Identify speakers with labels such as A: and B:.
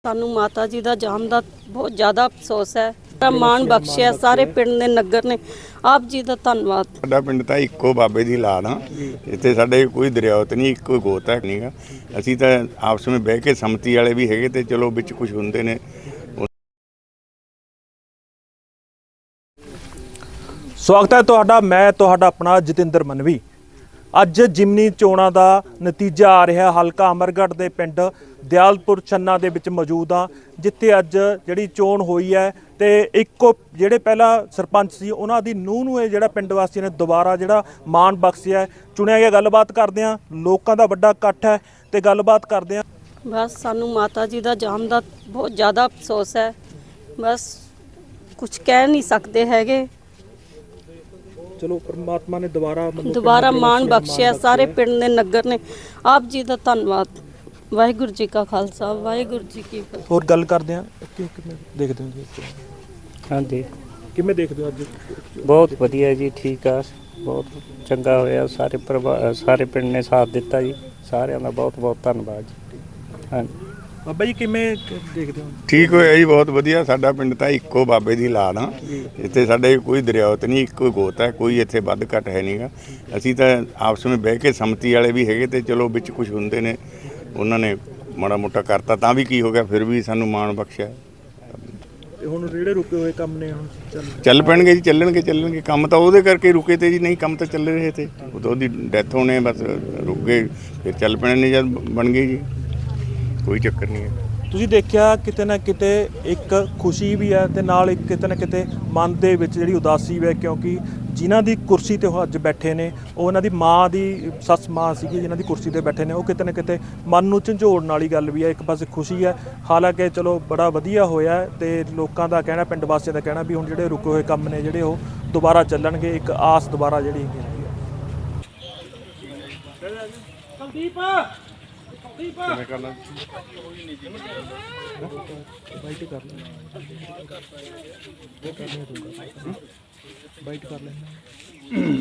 A: ਸਾਨੂੰ ਮਾਤਾ ਜੀ ਦਾ ਜਾਣ ਦਾ ਬਹੁਤ ਜ਼ਿਆਦਾ ਅਫਸੋਸ ਹੈ। ਮਾਣ ਬਖਸ਼ਿਆ ਸਾਰੇ ਪਿੰਡ ਦੇ ਨਗਰ ਨੇ, ਆਪ ਜੀ ਦਾ ਧੰਨਵਾਦ।
B: ਸਾਡਾ ਪਿੰਡ ਤਾਂ ਇੱਕੋ ਬਾਬੇ ਦੀ ਲਾਦ ਆ। ਇੱਥੇ ਸਾਡੇ ਕੋਈ ਦਰਿਆਵਤ ਨਹੀਂ, ਇੱਕੋ ਗੋਤ ਹੈ ਨਹੀਂਗਾ। ਅਸੀਂ ਤਾਂ ਆਪਸ ਵਿੱਚ ਬਹਿ ਕੇ ਸੰਮਤੀ ਵਾਲੇ ਵੀ ਹੈਗੇ ਤੇ ਚਲੋ ਵਿੱਚ ਕੁਝ ਹੁੰਦੇ ਨੇ।
C: ਸਵਾਗਤ ਹੈ ਤੁਹਾਡਾ, ਮੈਂ ਤੁਹਾਡਾ ਆਪਣਾ ਜਤਿੰਦਰ ਮਨਵੀ। ਅੱਜ ਜਿਮਨੀ ਚੋਣਾਂ ਦਾ ਨਤੀਜਾ ਆ ਰਿਹਾ ਹਲਕਾ ਅਮਰਗੜ੍ਹ ਦੇ ਪਿੰਡ ਦਿਆਲਪੁਰ ਛੰਨਾ ਦੇ ਵਿੱਚ ਮੌਜੂਦ ਆ, ਜਿੱਥੇ ਅੱਜ ਜਿਹੜੀ ਚੋਣ ਹੋਈ ਹੈ ਤੇ ਇੱਕੋ ਜਿਹੜੇ ਪਹਿਲਾਂ ਸਰਪੰਚ ਸੀ ਉਹਨਾਂ ਦੀ ਨੂੰਹ ਨੂੰ ਇਹ ਜਿਹੜਾ ਪਿੰਡ ਵਾਸੀਆਂ ਨੇ ਦੁਬਾਰਾ ਜਿਹੜਾ ਮਾਣ ਬਖਸ਼ਿਆ ਚੁਣਿਆ ਗਿਆ। ਗੱਲਬਾਤ ਕਰਦੇ ਆ, ਲੋਕਾਂ ਦਾ ਵੱਡਾ ਇਕੱਠ ਹੈ ਤੇ ਗੱਲਬਾਤ ਕਰਦੇ ਆ।
A: ਬਸ ਸਾਨੂੰ ਮਾਤਾ ਜੀ ਦਾ ਜਾਣ ਦਾ ਬਹੁਤ ਜ਼ਿਆਦਾ ਅਫਸੋਸ ਹੈ, ਬਸ ਕੁਝ ਕਹਿ ਨਹੀਂ ਸਕਦੇ ਹੈਗੇ।
C: ਚਲੋ परमात्मा ने दोबारा
A: ਮਾਣ ਬਖਸ਼ਿਆ ਸਾਰੇ ਪਿੰਡ ਦੇ ਨਗਰ ਨੇ, ਆਪ ਜੀ ਦਾ ਧੰਨਵਾਦ। ਵਾਹਿਗੁਰੂ ਜੀ ਕਾ ਖਾਲਸਾ, ਵਾਹਿਗੁਰੂ ਜੀ ਕੀ ਫਤਿਹ।
C: ਹੋਰ ਗੱਲ ਕਰਦੇ ਆ, ਕਿਵੇਂ ਦੇਖਦੇ ਹੋ ਜੀ?
D: ਹਾਂਜੀ,
C: ਕਿਵੇਂ ਦੇਖਦੇ ਹੋ ਅੱਜ?
D: ਬਹੁਤ ਵਧੀਆ ਜੀ, ਠੀਕ ਆ, ਬਹੁਤ ਚੰਗਾ ਹੋਇਆ। ਸਾਰੇ ਪਿੰਡ ਨੇ ਸਾਥ ਦਿੱਤਾ ਜੀ, ਸਾਰਿਆਂ ਦਾ ਬਹੁਤ ਬਹੁਤ ਧੰਨਵਾਦ ਜੀ। ਹਾਂਜੀ
C: ਬਾਬਾ ਜੀ ਕਿਵੇਂ ਦੇਖਦੇ ਹੋ?
B: ਠੀਕ ਹੋਇਆ ਜੀ, ਬਹੁਤ ਵਧੀਆ। ਸਾਡਾ ਪਿੰਡ ਤਾਂ ਇੱਕੋ ਬਾਬੇ ਦੀ ਲਾਦ ਆ। ਇੱਥੇ ਸਾਡੇ ਕੋਈ ਦਰਿਆਵਤ ਨਹੀਂ, ਇੱਕੋ ਗੋਤ ਹੈ, ਕੋਈ ਇੱਥੇ ਵੱਧ ਘੱਟ ਹੈ ਨਹੀਂਗਾ। ਅਸੀਂ ਤਾਂ ਆਪਸ ਵਿੱਚ ਬਹਿ ਕੇ ਸੰਮਤੀ ਵਾਲੇ ਵੀ ਹੈਗੇ ਤੇ ਚਲੋ ਵਿੱਚ ਕੁਝ ਹੁੰਦੇ ਨੇ, ਉਹਨਾਂ ਨੇ ਮਾੜਾ ਮੋਟਾ ਕਰਤਾ ਤਾਂ ਵੀ ਕੀ ਹੋ ਗਿਆ, ਫਿਰ ਵੀ ਸਾਨੂੰ ਮਾਣ ਬਖਸ਼ਿਆ।
C: ਤੇ ਹੁਣ ਜਿਹੜੇ ਰੁਕੇ ਹੋਏ ਕੰਮ ਨੇ ਹੁਣ
B: ਚੱਲ ਪੈਣਗੇ ਜੀ, ਚੱਲਣਗੇ। ਕੰਮ ਤਾਂ ਉਹਦੇ ਕਰਕੇ ਰੁਕੇ ਤੇ ਜੀ, ਨਹੀਂ ਕੰਮ ਤਾਂ ਚੱਲ ਰਹੇ ਤੇ। ਉਦੋਂ ਦੀ ਡੈਥ ਹੋਣੇ, ਬਸ ਰੁਕ ਗਏ, ਫਿਰ ਚੱਲ ਪੈਣੇ ਨੇ ਜਦ ਬਣ ਗਏ ਜੀ, ਕੋਈ ਚੱਕਰ ਨਹੀਂ ਹੈ।
C: ਤੁਸੀਂ ਦੇਖਿਆ ਕਿਤੇ ਨਾ ਕਿਤੇ ਇੱਕ ਖੁਸ਼ੀ ਵੀ ਹੈ ਤੇ ਨਾਲ ਇੱਕ ਕਿਤੇ ਨਾ ਕਿਤੇ ਮਨ ਦੇ ਵਿੱਚ ਜਿਹੜੀ ਉਦਾਸੀ ਵੀ ਹੈ, ਕਿਉਂਕਿ ਜਿਨ੍ਹਾਂ ਦੀ ਕੁਰਸੀ ਤੇ ਉਹ ਅੱਜ ਬੈਠੇ ਨੇ ਉਹ ਉਹਨਾਂ ਦੀ ਮਾਂ ਦੀ ਸੱਸ ਮਾਂ ਸੀਗੀ ਜਿਨ੍ਹਾਂ ਦੀ ਕੁਰਸੀ ਤੇ ਬੈਠੇ ਨੇ। ਉਹ ਕਿਤੇ ਨਾ ਕਿਤੇ ਮਨ ਨੂੰ ਝੰਜੋੜਨ ਵਾਲੀ ਗੱਲ ਵੀ ਹੈ। ਇੱਕ ਪਾਸੇ ਖੁਸ਼ੀ ਹੈ, ਹਾਲਾਂਕਿ ਚਲੋ ਬੜਾ ਵਧੀਆ ਹੋਇਆ ਤੇ ਲੋਕਾਂ ਦਾ ਕਹਿਣਾ, ਪਿੰਡ ਵਾਸੀਆਂ ਦਾ ਕਹਿਣਾ ਵੀ ਹੁਣ ਜਿਹੜੇ ਰੁਕੇ ਹੋਏ ਕੰਮ ਨੇ ਜਿਹੜੇ ਉਹ ਦੁਬਾਰਾ ਚੱਲਣਗੇ। ਇੱਕ ਆਸ ਦੁਬਾਰਾ ਜਿਹੜੀ ਹੈਗੀ
B: ਕਿਵੇਂ ਕਰਨਾ?
C: ਬਾਈਟ ਕਰ ਲੈ, ਬਾਈਟ ਕਰ ਲੈ।